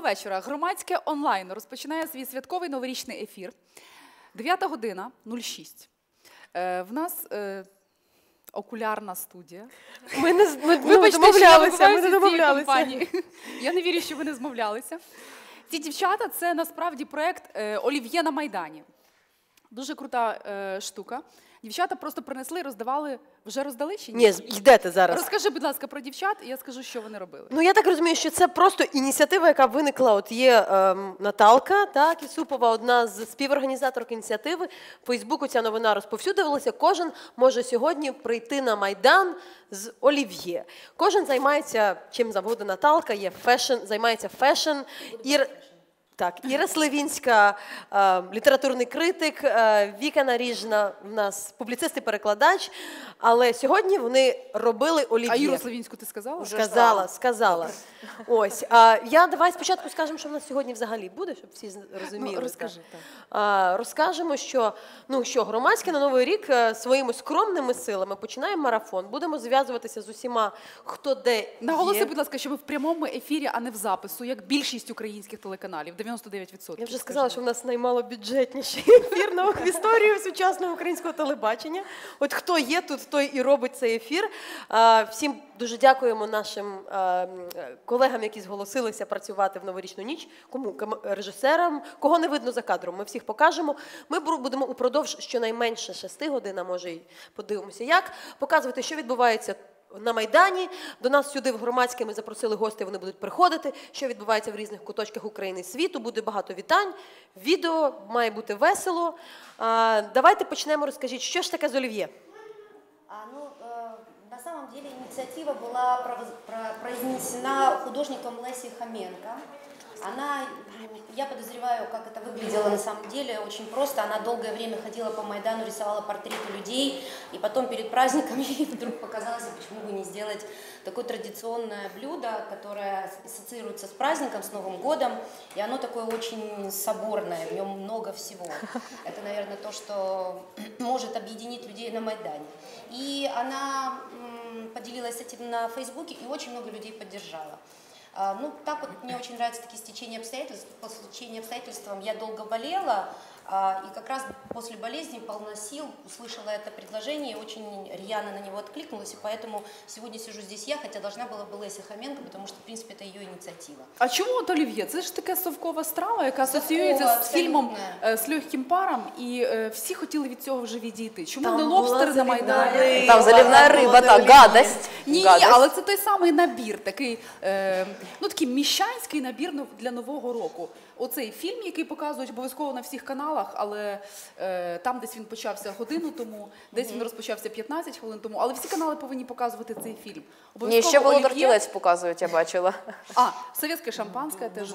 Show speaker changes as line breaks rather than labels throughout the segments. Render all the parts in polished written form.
вечора. Громадське онлайн розпочинає свій святковий новорічний ефір. 9 година, 06. В нас окулярна студія.
Ми не домовлялися.
Я не вірю, що ви не змовлялися. Ці дівчата – це насправді проєкт «Олів'є на Майдані». Дуже крута штука. Дівчата просто принесли, роздавали. Вже роздали чи ні?
Ні, йдете зараз.
Розкажи, будь ласка, про дівчат, і я скажу, що вони робили.
Ну, я так розумію, що це просто ініціатива, яка виникла. От є Наталка, так, Ісупова, одна з співорганізаторок ініціативи. В Фейсбуку ця новина розповсюдилася. Кожен може сьогодні прийти на Майдан з олів'є. Кожен займається чим завгодно. Наталка є займається фешн. Так, Іра Сливінська, літературний критик, Віка Наріжна, в нас публіцист і перекладач, але сьогодні вони робили олів'є.
А Іру Сливінську ти сказала?
Сказала. Ось, давай спочатку скажемо, що в нас сьогодні взагалі буде, щоб всі розуміли.
Ну, розкажи,
так. Розкажемо, що громадське на Новий рік своїми скромними силами починає марафон. Будемо зв'язуватися з усіма, хто де є.
Наголоси, будь ласка, що ми в прямому ефірі, а не в запису, як більшість українських телеканалів. 99%.
Я вже сказала, що в нас наймалобюджетніший ефір в історії сучасного українського телебачення. От хто є тут, той і робить цей ефір. Всім дуже дякуємо нашим колегам, які зголосилися працювати в новорічну ніч. Кому? Режисерам. Кого не видно за кадром, ми всіх покажемо. Ми будемо упродовж щонайменше 6 годин, а може й подивимося як, показувати, що відбувається на Майдані. До нас сюди в громадське ми запросили гостей, вони будуть приходити, що відбувається в різних куточках України і світу. Буде багато вітань, відео, має бути весело. Давайте почнемо, розкажіть, що ж таке з олів'є?
На самом деле инициатива была произнесена художником Лесей Хоменко. Я подозреваю, как это выглядело на самом деле, очень просто. Она долгое время ходила по Майдану, рисовала портреты людей, и потом перед праздником ей вдруг показалось, почему бы не сделать такое традиционное блюдо, которое ассоциируется с праздником, с Новым годом, и оно такое очень соборное, в нем много всего. Это, наверное, то, что может объединить людей на Майдане. И она поделилась этим на Фейсбуке, и очень много людей поддержала. Так вот, мне очень нравятся такие стечения обстоятельств. По стечению обстоятельствам я долго болела, и как раз после болезни полна сил услышала это предложение, очень рьяно на него откликнулась, и поэтому сегодня сижу здесь я, хотя должна была бы Леся Хоменко, потому что, в принципе, это ее инициатива.
А чому от олів'є? Це ж така совкова страва, яка асоціюється з фільмом «З легким паром», і всі хотіли від цього вже відійти. Чому не лобстери на Майдані?
Там заливна риба, так, гадость.
Ні, але це той самий набір, такий міщанський набір для Нового року. Оцей фільм, який показують обов'язково на всіх каналах, але там десь він почався годину тому, десь він розпочався 15 хвилин тому, але всі канали повинні показувати цей фільм.
Ні, ще Володар Кілець показують, я бачила.
Советское шампанское теж.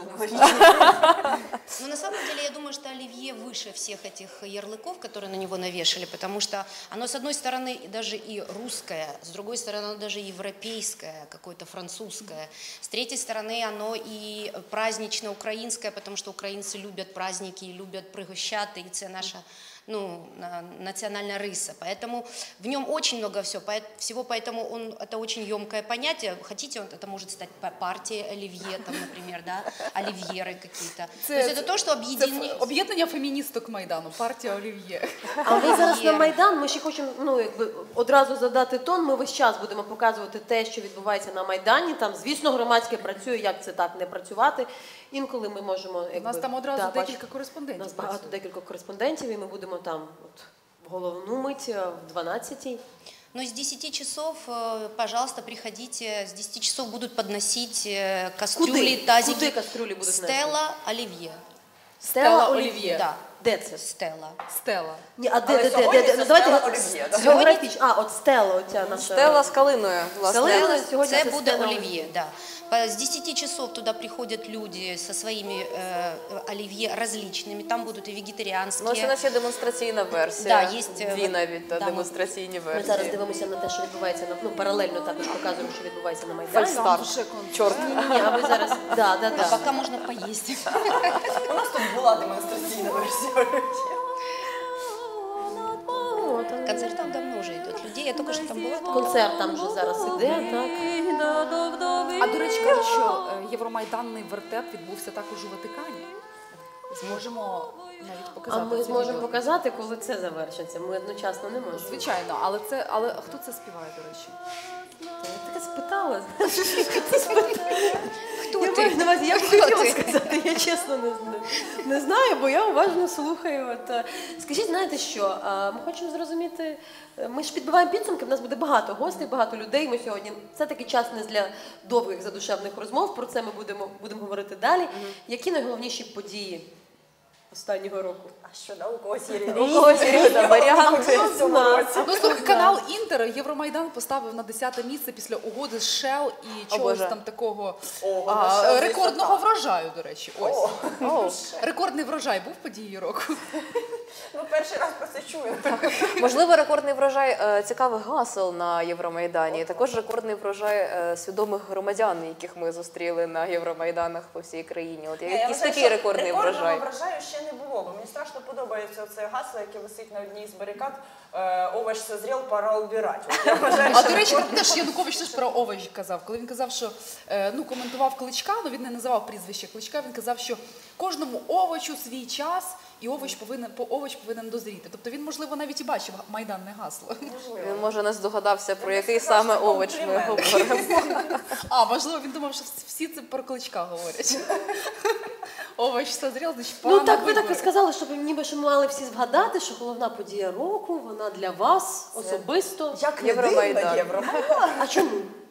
Но на самом деле я думаю, что оливье выше всех этих ярлыков, которые на него навешали, потому что оно, с одной стороны, даже и русское, с другой стороны, оно даже европейское, какое-то французское, с третьей стороны, оно и празднично-украинское, потому что украинцы любят праздники и любят пригощати, и это наша национальная рыса. Поэтому в нем очень много всего, поэтому это очень емкое понятие. Хотите, это может стать партией оливье, там, например, да, оливьеры какие-то. То есть это то, что объединяет...
Об'єднання феміністок Майдану, партія олів'є.
А ми зараз на Майдан, ми ще хочемо одразу задати тон, ми весь час будемо показувати те, що відбувається на Майдані. Там, звісно, громадське працює, як це так не працювати. Інколи ми можемо...
У нас там одразу декілька кореспондентів.
У нас багато декілька кореспондентів, і ми будемо там в головну мить, в 12-й.
Но с 10 часов, пожалуйста, приходите. С 10 часов будут подносить кастрюли, тазики.
Куди кастрюлі будуть нести?
Стелла Оливье.
Стелла Олів'є.
Да.
Де це?
Стелла.
Ні, а де? Ну, давайте географічно. От Стелла, оця наша.
Стелла з калиною, власне.
Це буде Олів'є, да. С 10 часов туда приходят люди со своими оливье различными. Там будут и вегетарианские.
Ну, ось у нас є демонстраційна версія.
Да, есть,
дві навіть демонстраційні версії.
Ми зараз дивимося на те, що відбувається, паралельно також показуємо, що відбувається на Майдані.
Фальстарт. Чорт.
Ні, а ви зараз... Да.
А пока можно поесть.
У нас тут була демонстраційна версія.
Концертов давно уже идут людей. Это
також там була. Концерт там вже зараз іде, так.
А до речі, кажуть, що євромайданний вертеп відбувся також у Ватикані. Зможемо навіть показати.
А ми
це
зможемо
відео.
показати, коли це завершиться. Ми одночасно не можемо.
Звичайно, але хто це співає, до речі?
Я таке спитала.
Хто
Я
ти?
маю на увазі, я б хотіла сказати, я чесно не знаю, бо я уважно слухаю. Скажіть, знаєте що, ми хочемо зрозуміти, ми ж підбиваємо підсумки, в нас буде багато гостей, багато людей, ми сьогодні, це такий час не для довгих задушевних розмов, про це ми будемо говорити далі. Які найголовніші події останнього року?
А що, да, у когось є
варіанти.
Ну, слухай, канал Інтер Євромайдан поставив на 10-те місце після угоди з Shell і чогось
Боже.
там такого
Ого, ну, Shell,
рекордного
звісно,
врожаю, до речі. Ось. Рекордний врожай був подією року.
Ну, перший раз про це чую.
Можливо, рекордний врожай цікавих гасел на Євромайдані. І також рекордний врожай свідомих громадян, яких ми зустріли на Євромайданах по всій країні. От якийсь такий рекордний врожай.
Рекордного врожаю ще не було, бо мені страшно подобається це гасло, яке висить на одній з барикад. Овощ созрів, пора убирати. От я вважаю,
А
що
до речі, теж Янукович теж про овощ казав. Коли він казав, що коментував Кличка, але він не називав прізвище Кличка, він казав, що кожному овочу свій час, і овоч повинен дозріти. Тобто він, можливо, навіть і бачив майданне гасло.
Він, може, не здогадався, про який саме овоч ми говоримо.
А, можливо, він думав, що всі це про Кличка говорять. Овоч созрів, значить, пора
Ну
на
так, ви
вибори.
так і сказали, щоб ніби що ми мали всі згадати, що головна подія року, вона для вас особисто.
як не
Євромайдан.
дивно, Євромайдан.
А чому?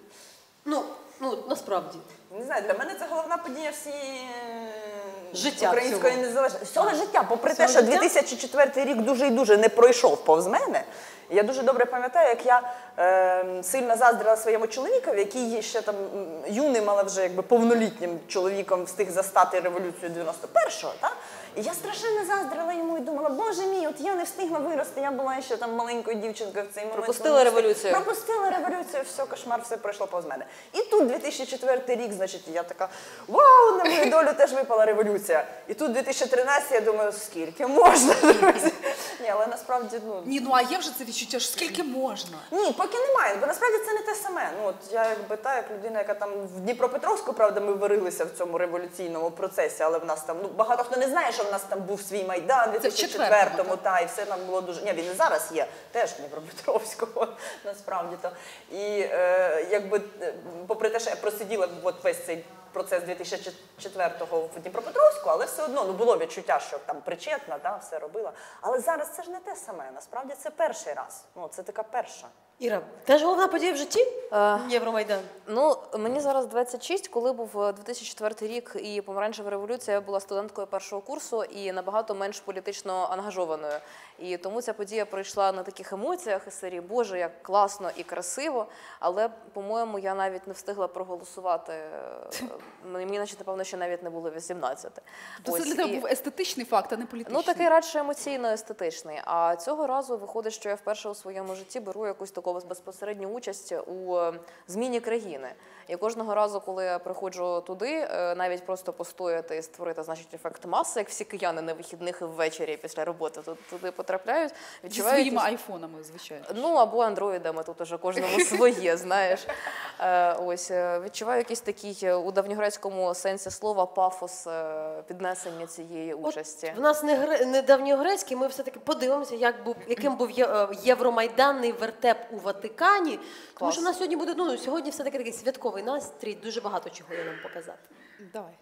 Ну, насправді.
Не знаю, для мене це головна подія всієї
Життя
української
всього.
незалежності. Всього життя, попри те,
Всього
що
життя?
2004 рік дуже і дуже не пройшов повз мене. Я дуже добре пам'ятаю, як я сильно заздрила своєму чоловікові, який ще там юним, але вже якби повнолітнім чоловіком встиг застати революцію 91-го. Та? І я страшенно заздрила йому і думала, боже мій, от я не встигла вирости, я була ще там маленькою дівчинкою в цей момент.
Пропустила революцію.
Пропустила революцію, все, кошмар, все пройшло повз мене. І тут 2004 рік, значить, я така, вау, на мою долю теж випала революція. І тут 2013, я думаю, скільки можна, друзі? Ні, але насправді,
Ні, а є вже це відчуття, що скільки можна?
ні, поки немає, бо насправді це не те саме. От я якби як людина, яка там в Дніпропетровську, правда, ми варилися в цьому революційному процесі, але в нас там, багато хто не знає, що в нас там був свій Майдан у 2004-му, і все там було дуже, ні, він і зараз є, теж в Дніпропетровську, насправді то. І якби, попри те, що я просиділа весь цей процес 2004-го в Дніпропетровську, але все одно було відчуття, що там причетна, все робила. Але зараз це ж не те саме, насправді це перший раз, це така перша.
Іра, теж головна подія в житті? Євромайдан.
Ну, мені зараз 26, коли був 2004 рік і помаранчева революція, я була студенткою першого курсу і набагато менш політично ангажованою. І тому ця подія пройшла на таких емоціях із серії «Боже, як класно і красиво», але, по-моєму, я навіть не встигла проголосувати. Мені, наче, напевно, ще навіть не було 18.
То це для тебе був естетичний факт, а не політичний.
Ну, такий радше емоційно-естетичний. А цього разу виходить, що я вперше у своєму житті беру якусь таку безпосередню участь у зміні країни. І кожного разу, коли я приходжу туди, навіть просто постояти і створити, значить, ефект маси, як всі кияни на вихідних і ввечері після роботи туди потрапляють,
Зі
відчуваю
своїми айфонами, звичайно.
Ну, або андроїдами, тут уже кожному своє, знаєш. Ось, відчуваю якийсь такий у давньогрецькому сенсі слова пафос піднесення цієї участі.
В нас не давньогрецький, ми все-таки подивимося, яким був євромайданний вертеп у Ватикані. Тому що в нас сьогодні буде, сьогодні все-таки такий святковий настрій, дуже багато чого є нам показати.
Давай.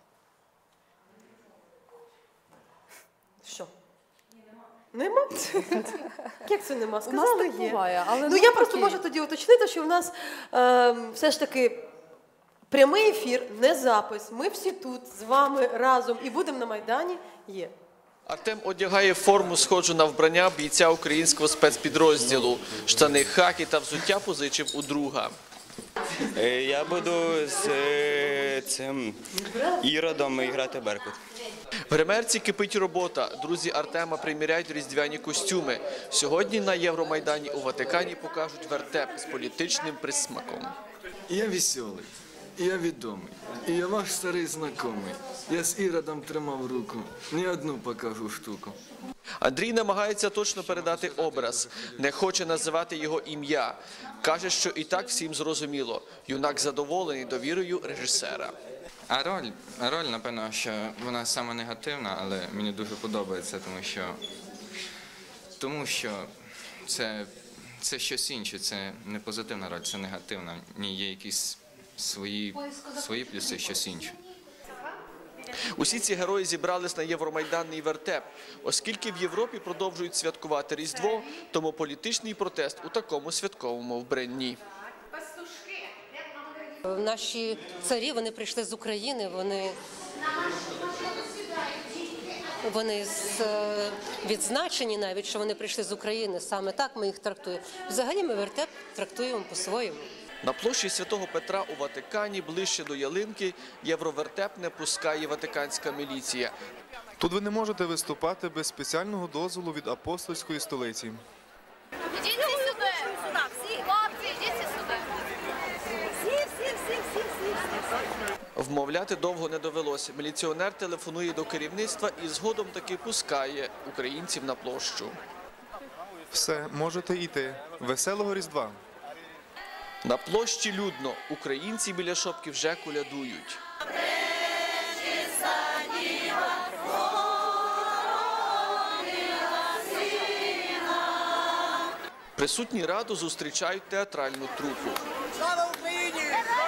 Що? Нема? Як це нема?
У нас
Сказали,
так
є.
буває, але
Ну, я просто можу тоді уточнити, що в нас все ж таки прямий ефір, не запис. Ми всі тут з вами разом і будемо на Майдані. Є.
Артем одягає форму, схожу на вбрання бійця українського спецпідрозділу. Штани хакі та взуття позичив у друга.
Я буду з цим Іродом грати Беркут.
В гримерці кипить робота. Друзі Артема приміряють різдвяні костюми. Сьогодні на Євромайдані у Ватикані покажуть вертеп з політичним присмаком.
Я веселый. Я відомий. І я ваш старий знайомий. Я з Іродом тримав руку. Ні одну покажу штуку.
Андрій намагається точно передати образ, не хоче називати його ім'я. Каже, що і так всім зрозуміло. Юнак задоволений довірою режисера.
А роль, напевно, що вона саме негативна, але мені дуже подобається, тому що це щось інше, це не позитивна роль, це негативна. В ній є якісь свої плюси, щось інше.
Усі ці герої зібрались на Євромайданний вертеп. Оскільки в Європі продовжують святкувати Різдво, тому політичний протест у такому святковому вбранні.
Наші царі, вони прийшли з України, вони відзначені навіть, що вони прийшли з України. Саме так ми їх трактуємо. Взагалі ми вертеп трактуємо по-своєму.
На площі Святого Петра у Ватикані, ближче до ялинки, євровертеп не пускає ватиканська міліція.
Тут ви не можете виступати без спеціального дозволу від апостольської столиці.
Ідіть сюди! Всі, хлопці, ідіть сюди!
Вмовляти довго не довелося. Міліціонер телефонує до керівництва і згодом таки пускає українців на площу.
Все, можете йти. Веселого Різдва!
На площі людно. Українці біля шопки вже колядують. Присутні раду зустрічають театральну трупу.
Слава Україні!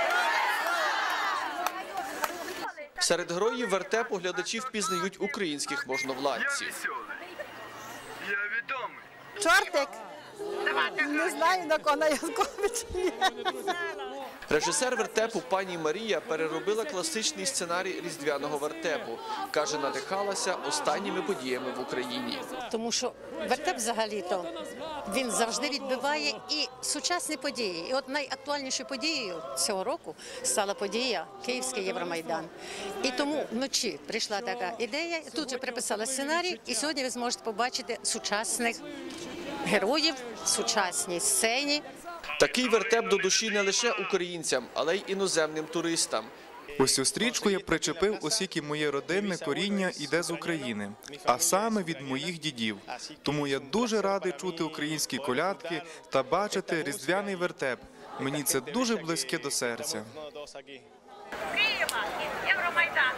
Серед героїв вертепу глядачі впізнають українських можновладців.
Я відомий.
Чортик! Не знаю, на кого Янкович.
Режисер вертепу пані Марія переробила класичний сценарій різдвяного вертепу. Каже, надихалася останніми подіями в Україні.
Тому що вертеп взагалі-то, він завжди відбиває і сучасні події. І от найактуальнішою подією цього року стала подія Київський Євромайдан. І тому вночі прийшла така ідея, тут же приписала сценарій, і сьогодні ви зможете побачити сучасних героїв, сучасній сцені.
Такий вертеп до душі не лише українцям, але й іноземним туристам.
Ось цю стрічку я причепив, оскільки моє родинне коріння йде з України, а саме від моїх дідів. Тому я дуже радий чути українські колядки та бачити різдвяний вертеп. Мені це дуже близьке до серця.
Києва, Євромайдан.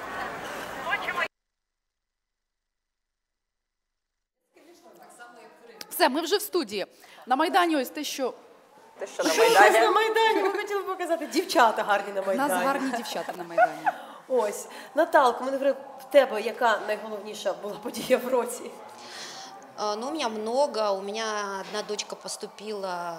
Все, ми вже в студії. На Майдані ось те, що...
Те, що на Майдані.
На Майдані, ми хотіли показати. Дівчата гарні на
У
Майдані.
нас гарні дівчата на Майдані.
Ось. Наталко, мене в тебе яка найголовніша була подія в році?
Ну, у меня много. У меня одна дочка поступила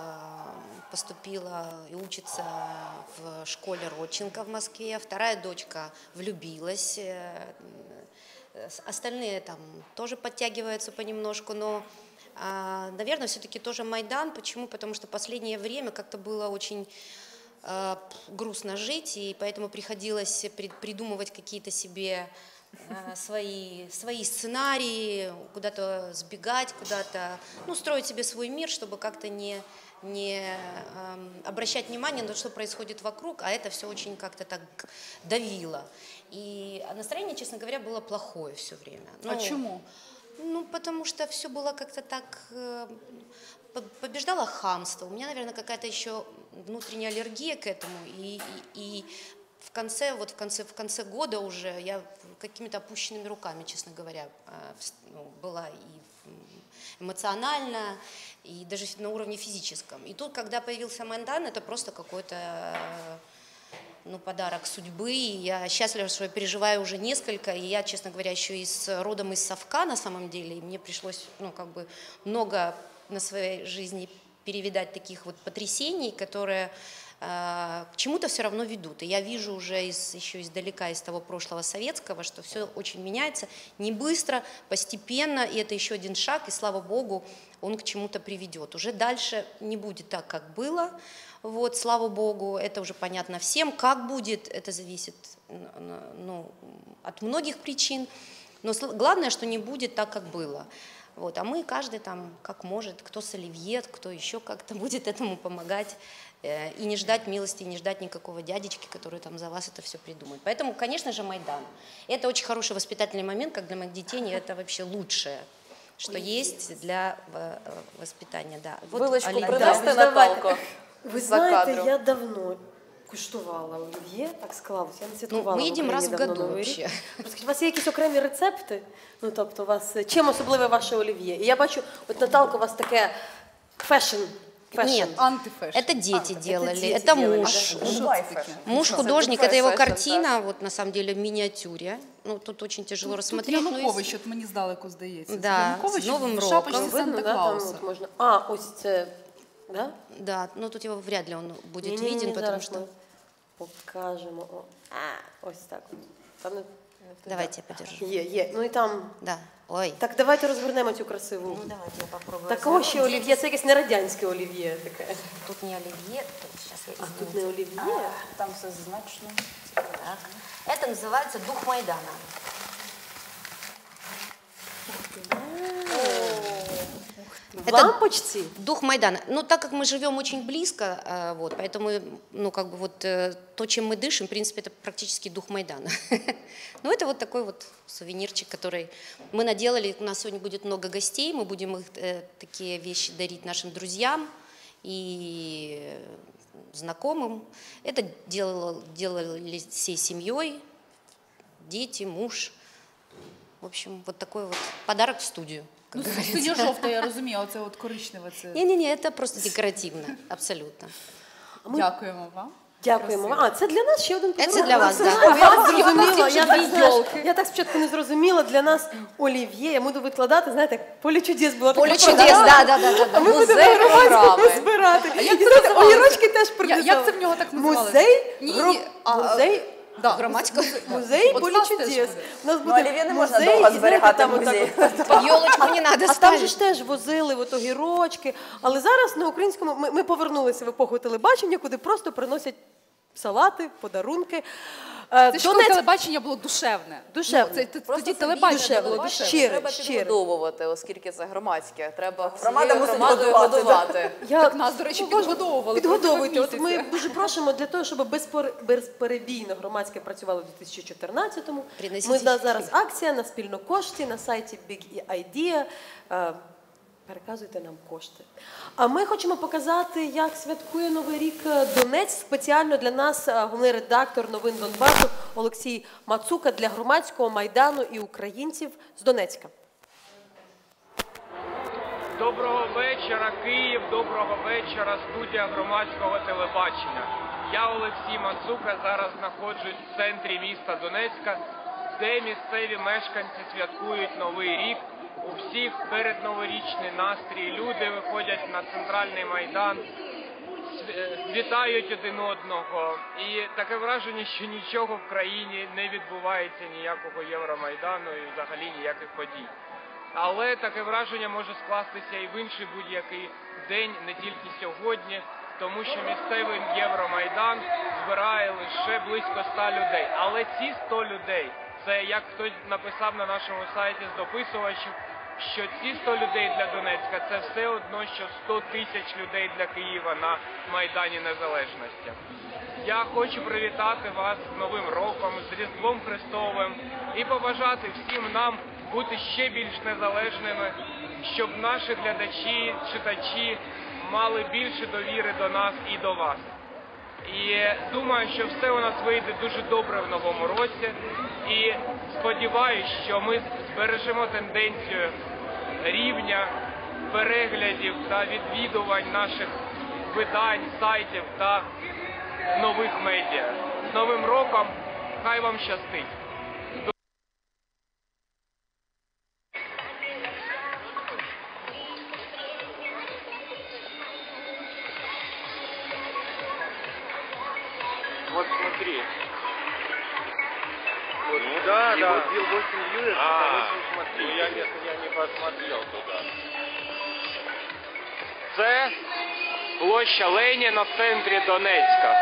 и учится в школе Родченко в Москве. Вторая дочка влюбилась. Остальные там тоже подтягиваются понемножку, но, наверное, все-таки тоже Майдан. Почему? Потому что в последнее время как-то было очень грустно жить, и поэтому приходилось придумывать какие-то себе свои сценарии, куда-то сбегать, куда-то, ну, строить себе свой мир, чтобы как-то не обращать внимание на то, что происходит вокруг, а это все очень как-то так давило. И настроение, честно говоря, было плохое все время.
Почему?
Ну, потому что все было как-то так... Побеждало хамство. У меня, наверное, какая-то еще внутренняя аллергия к этому. И в конце года уже я какими-то опущенными руками, честно говоря, была и эмоционально, и даже на уровне физическом. И тут, когда появился Майдан, это просто какой-то подарок судьбы. И я счастлива, что я переживаю уже несколько. И я, честно говоря, еще родом из Совка на самом деле. И мне пришлось много на своей жизни перевидать таких вот потрясений, которые к чему-то все равно ведут. И я вижу уже еще издалека, из того прошлого советского, что все очень меняется, не быстро, постепенно, и это еще один шаг, и слава богу, он к чему-то приведет. Уже дальше не будет так, как было, вот, слава богу, это уже понятно всем. Как будет, это зависит от многих причин, но главное, что не будет так, как было. Вот. А мы каждый там как может, кто с оливье, кто еще как-то будет этому помогать. И не ждать милости, не ждать никакого дядечки, который там за вас это все придумает. Поэтому, конечно же, Майдан. Это очень хороший воспитательный момент, как для моих детей, и это вообще лучшее, что есть для воспитания. Да. Вот
Вилочку
оливье.
принести, Наталко,
Ви
за
знаєте,
кадром.
я давно куштувала олів'є, так склалося. Я не святкувала
ми
в
їдемо раз
Україні
в
давно
году
Новий рік.
вообще.
Розкажіть, у вас є якісь окремі рецепти? Ну, тобто, у вас чим особливе ваше олів'є? І я бачу, от Наталко, у вас таке фешн.
Нет,
антифэшн.
это дети делали,
дети
это
делали,
муж.
да?
Муж художник, это его картина, вот на самом деле в миниатюре. Ну, тут очень тяжело рассмотреть.
Тут
но
Янукович, от мені здалеку здається.
Да,
Янукович
з Новим
в шапочці
роком.
Видно, да, там
Санта-Клауса.
от можна. А, ось це, да?
Да, но тут его вряд ли он будет
Ні-ні-ні,
виден, потому
зараз
что...
ми покажемо. Ось так от. Там не...
Давайте я подержу.
Є. Ну і там...
Да. Ой.
Так, давайте розвернемо цю красиву.
Ну, давайте я попробую.
Такого ще олів'є, це якесь не радянське олів'є таке.
Тут не оливье, тут сейчас я
А тут не олів'є?
Там все значно.
Так. Это называется дух Майдана.
В лампочці?
Дух Майдана. Ну, так как мы живем очень близко, вот, поэтому, ну, как бы вот то, чем мы дышим, в принципе, это практически дух Майдана. Ну, это вот такой вот сувенирчик, который мы наделали. У нас сегодня будет много гостей, мы будем их, такие вещи дарить нашим друзьям и знакомым. Это делали всей семьей, дети, муж. В общем, вот такой вот подарок в студию.
Ну, синьо-жовте, я розумію, оце от коричневе. Це...
Не, это просто декоративно, абсолютно.
Дякуємо вам.
Дякуємо вам. А, це для нас ще один подарунок.
Це для вас,
Це
да.
я зрозуміла. Я так спочатку не зрозуміла. Для нас олів'є. Я буду викладати, знаєте, як «Поле чудес» була така
«Поле чудес», да.
А ми будемо громадському збирати. І знаєте, огірочки теж принесемо.
Як це в нього так називалося?
Музей «Поле чудес». У нас буде
олів'є не можна
музей,
довго
і,
зберігати
знаєте,
в музеї.
Ёлочку не надо
А там
ставить.
же ж теж возили от огірочки. Але зараз на українському ми повернулися в епоху телебачення, куди просто приносять салати, подарунки.
Це ж коли телебачення було душевне.
Душевне.
Тоді телебачення було душевне.
Треба підгодовувати, оскільки це громадське. Треба
Громада
всією
мусить
громадою годувати.
Так нас, до речі, підгодовували.
Підгодовуйте. От ми дуже просимо для того, щоб безперебійно громадське працювало в 2014-му. Ми зараз акція на спільну кошти на сайті Big Idea. Переказуйте нам кошти. А ми хочемо показати, як святкує Новий рік Донець. Спеціально для нас головний редактор новин Донбасу Олексій Мацука для громадського Майдану і українців з Донецька.
Доброго вечора, Київ, доброго вечора, студія громадського телебачення. Я Олексій Мацука, зараз знаходжусь в центрі міста Донецька, де місцеві мешканці святкують Новий рік. У всіх передноворічний настрій, люди виходять на центральний Майдан, вітають один одного. І таке враження, що нічого в країні не відбувається, ніякого Євромайдану і взагалі ніяких подій. Але таке враження може скластися і в інший будь-який день, не тільки сьогодні, тому що місцевий Євромайдан збирає лише близько 100 людей. Але ці 100 людей, це як хтось написав на нашому сайті з дописувачів, що ці 100 людей для Донецька – це все одно, що 100 тисяч людей для Києва на Майдані Незалежності. Я хочу привітати вас з Новим роком, з Різдвом Христовим і побажати всім нам бути ще більш незалежними, щоб наші глядачі, читачі мали більше довіри до нас і до вас. І думаю, що все у нас вийде дуже добре в новому році. І сподіваюся, що ми збережемо тенденцію рівня переглядів та відвідувань наших видань, сайтів та нових медіа. З Новим роком! Хай вам щастить! Вот смотри. Вот, да, да. Вот 8 вьюеров, 8 смотри. Ну, я не посмотрел туда. Це площа Леніна в центрі Донецька.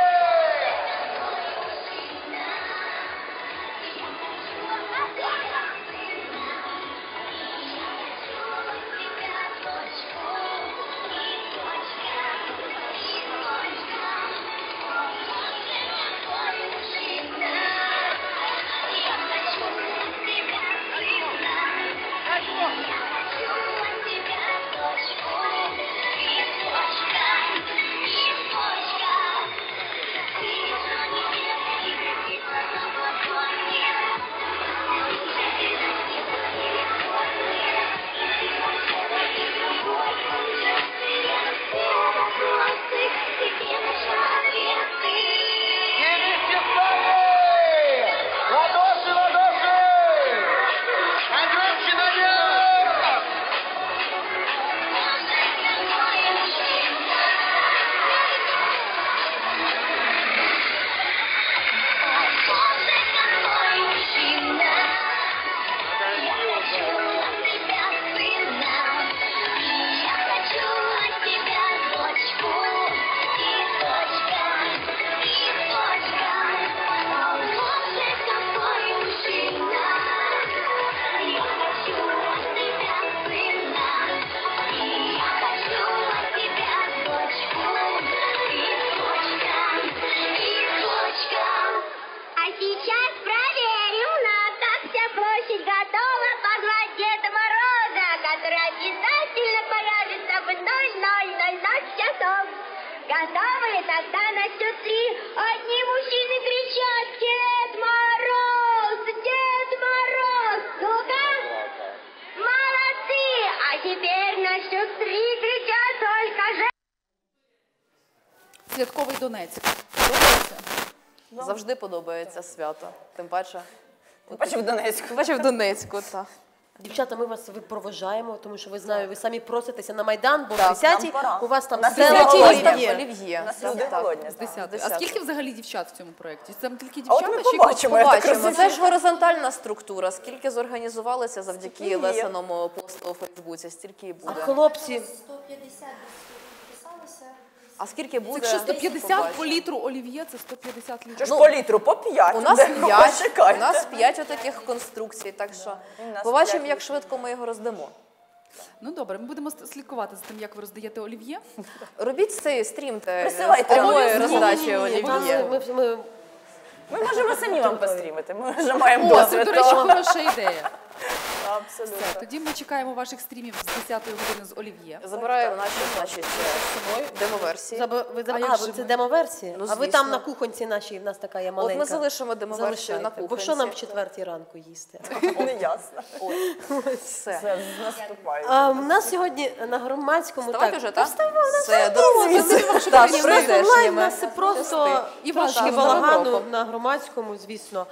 Готовы? Тогда на счет 3 одни мужчины кричат: Дед Мороз! Дед Мороз! Ну-ка! Молодцы! А теперь на счет 3 кричат только же...
Святковий Донецьк. Подобається?
Завжди подобається свято. Тим паче
в Донецьку.
Тим паче в Донецьку, так.
Дівчата, ми вас випроводжаємо, тому що ви знаю, ви самі проситеся на Майдан, бо в
Так,
10-й у вас там все
олів'є.
З 10. А скільки взагалі дівчат в цьому проєкті? Це тільки
А от
дівчата?
ми
чи
побачимо, я так
Побачимо.
розумію.
Це ж горизонтальна структура. Скільки зорганізувалися завдяки Лесиному посту у Фейсбуці, стільки і
А
буде.
хлопці,
150 підписалося.
А скільки буде?
Якщо 150
побачимо.
по літру олів'є, це 150 літрів.
Що ж по літру? По 5.
У нас 5, у нас 5 отаких конструкцій, так що побачимо,
5
як швидко ми його роздамо.
Ну добре, ми будемо слідкувати за тим, як ви роздаєте олів'є.
Робіть цей стрімте
Присилайте
прямої
нам.
роздачі
Ні-ні-ні,
олів'є.
Ми можемо самі вам пострімити, ми вже маємо
О, це,
досвід.
до речі,
того.
хороша ідея.
Абсолютно.
Все, тоді ми чекаємо ваших стрімів з 10-ї години з олів'є.
Забираю наші, значить, демоверсії.
це демоверсія?
Ну,
а ви
звісно.
там на кухонці нашій, в нас така є
От
маленька.
ми залишимо демоверсію на
Залишайте, бо
кухонці.
що нам в 4-й ранку їсти?
Не ясно.
Все.
Все, наступає.
У нас сьогодні на громадському...
Вставати вже, так?
Вставай,
Все,
Так,
Так, з
у нас онлайн, у
прийдешніми.
нас це просто
І
трошки
вашим
балагану
роком.
на громадському, звісно.